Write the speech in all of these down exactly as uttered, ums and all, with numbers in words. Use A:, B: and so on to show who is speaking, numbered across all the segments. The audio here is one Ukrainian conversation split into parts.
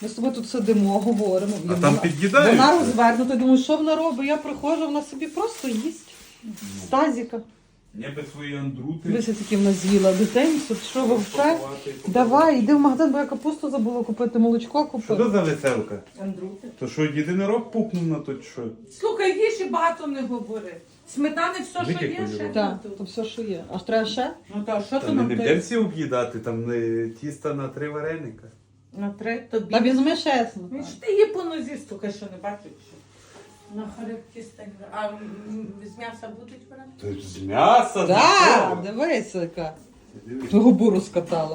A: Ми з тобою тут сидимо, говоримо.
B: А там під'їдають?
A: Вона розвернута, я думаю, що вона робить? Я приходжу, вона собі просто їсть. З тазіка.
B: Ніби свої андрути.
A: Дивися, такі вона з'їла дитинцю, що вовче? Давай, йди в магазин, бо я капусту забула купити, молочко
B: Що
A: купити.
B: це за веселка?
C: Андрути.
B: То що, єдинорог пукнув на то чи що?
C: Слухай, їж і багато не говори. Сметани все, що є,
B: Википаю.
C: ще
A: Так,
C: тут.
A: то все, що є. Аж треба ще?
C: Ну то що
B: Та
C: то
B: ми
C: нам
B: не
C: той?
B: будемо всі об'їдати, там не тіста на три вареника.
C: На три тобі.
A: Та візьми ще сметану.
C: Ну, що ти її по нозі стукаєш, що не бачиш? Що? На хребті стань. А м, з м'яса будуть брати?
B: То з м'яса?
A: Так, дивися, яка. Губу розкатала.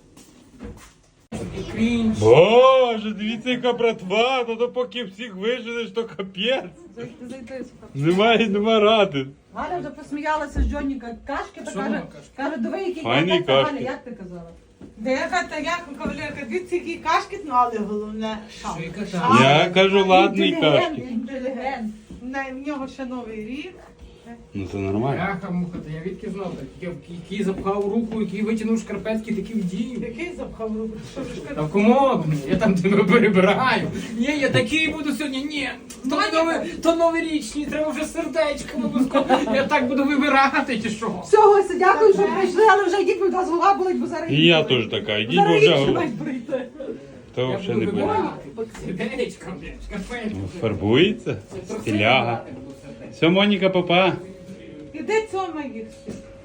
C: Крінж.
B: Боже, дивіться, яка братва, то, то поки всіх виженеш, то капець.
A: Зайди, зайди.
B: Немає, нема ради.
A: Галя вже посміялася з Джоніка кашки, та каже, каже, диви, який
B: Файний
A: як та, Галя,
B: кашки.
A: як ти казала?
C: Деяка та як кавалерка, дивіться, які кашки, ну але головне. шам.
B: Я кажу, ладний
A: Інтелігент,
B: кашки.
A: інтелігент.
C: На- В нього ще новий рік.
B: Ну це нормально.
D: Яха муха, то я відки знав, так, який запхав руку, який витягнув шкарпетки, такі вдів.
C: Який запхав руку? Що ж
D: Та
C: кажеш?
D: в комод, я там тебе перебираю. Ні, я такий буду сьогодні, ні. То, нови, то новорічні, треба вже сердечко обов'язково. Я так буду вибирати, чи що?
A: Все, Гостя, дякую, що прийшли, але вже йдіть, бо нас голова болить, бо зараз...
B: І я теж така, йдіть, бо
A: Зараз
B: вже
A: інші
B: го-
A: мають прийти.
B: то
D: Я
B: взагалі
D: буду
B: не буде.
D: вибирати. Сердечко, блядь, шкарпетки.
B: Фарбується,
D: Це трохи
B: стиляга.
D: вибирати буду сердечко.
B: Все, Моніка, папа.
C: Іди цьому їх всіх.